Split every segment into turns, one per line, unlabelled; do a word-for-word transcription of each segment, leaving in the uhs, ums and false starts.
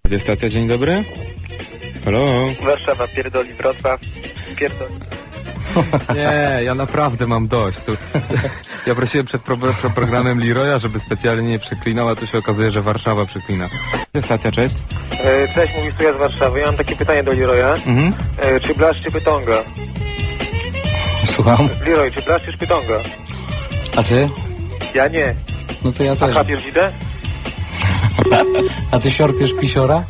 Radiostacja, dzień dobry. Halo?
Warszawa pierdoli, Wrocław pierdoli.
Nie, ja naprawdę mam dość. Tu, ja prosiłem przed pro, pro programem Leroya, żeby specjalnie nie przeklinał, a tu się okazuje, że Warszawa przeklina. Radiostacja, cześć.
E, cześć, mówisz tu ja z Warszawy. Ja mam takie pytanie do Leroya.
Mhm.
E, czy Blasz, czy Pytonga?
Słucham?
Leroy, czy Blasz, czy Pytonga?
A ty?
Ja nie.
No to ja
A
też.
chapiesz dzidę?
A ty siorpiesz pisiora?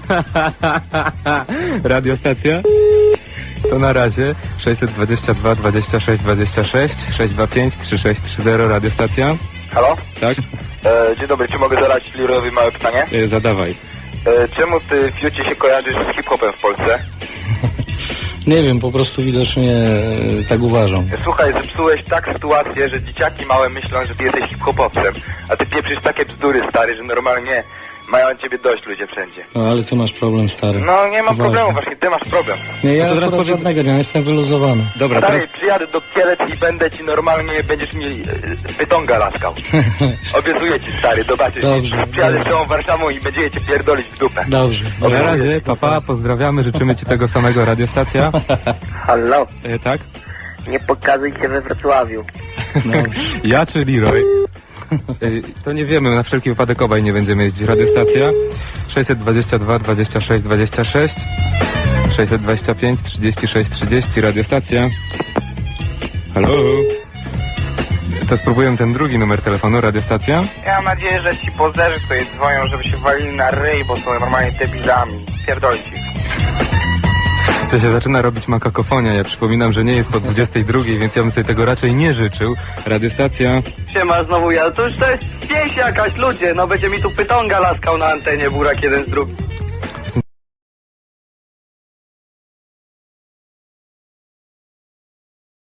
Radiostacja? To na razie sześćset dwadzieścia dwa, dwadzieścia sześć, dwadzieścia sześć, sześć dwa pięć, trzy sześć trzy zero, radiostacja?
Halo?
Tak?
E, dzień dobry, czy mogę zadać Leroyowi małe pytanie?
E, zadawaj.
E, czemu ty, Fiucie, się kojarzysz z hip-hopem w Polsce?
Nie wiem, po prostu widocznie e, tak uważam.
Słuchaj, zepsułeś tak sytuację, że dzieciaki małe myślą, że ty jesteś hip-hopowcem, a ty pieprzysz takie bzdury, stary, że normalnie mają ciebie dość ludzie wszędzie.
No ale ty masz problem, stary.
No nie ma
Uważaj.
problemu, właśnie ty masz problem.
Nie, ja
No to teraz
akurat
powiedz-
żadnego nie, jestem wyluzowany.
Dobra,
Stary,
teraz...
przyjadę do Kielec i będę ci normalnie, będziesz mi e, pytonga laskał. Obiecuję ci, stary, zobaczysz.
Dobrze,
Przyjadę
dobrze.
z całą Warszawą i będziecie cię pierdolić w dupę.
Dobrze.
Na razie, papa, pozdrawiamy, życzymy ci tego samego, radiostacja.
Halo,
E, tak?
nie pokazuj się we Wrocławiu.
Ja czy Leroy? Y, To nie wiemy, na wszelki wypadek obaj nie będziemy jeździć. Radiostacja sześćset dwadzieścia dwa, dwadzieścia sześć, dwadzieścia sześć, sześćset dwadzieścia pięć, trzydzieści sześć, trzydzieści, radiostacja. Halo? To spróbuję ten drugi numer telefonu, radiostacja.
Ja mam nadzieję, że ci pozerzy tutaj dzwonią, żeby się walili na ryj, bo są normalnie debilami. Pierdolić ich.
To się zaczyna robić makakofonia. Ja przypominam, że nie jest po dwudziestej drugiej, więc ja bym sobie tego raczej nie życzył. Radiostacja.
Siema, znowu ja. To już to jest pieśń jakaś, ludzie. No będzie mi tu pytonga laskał na antenie, burak jeden z drugim.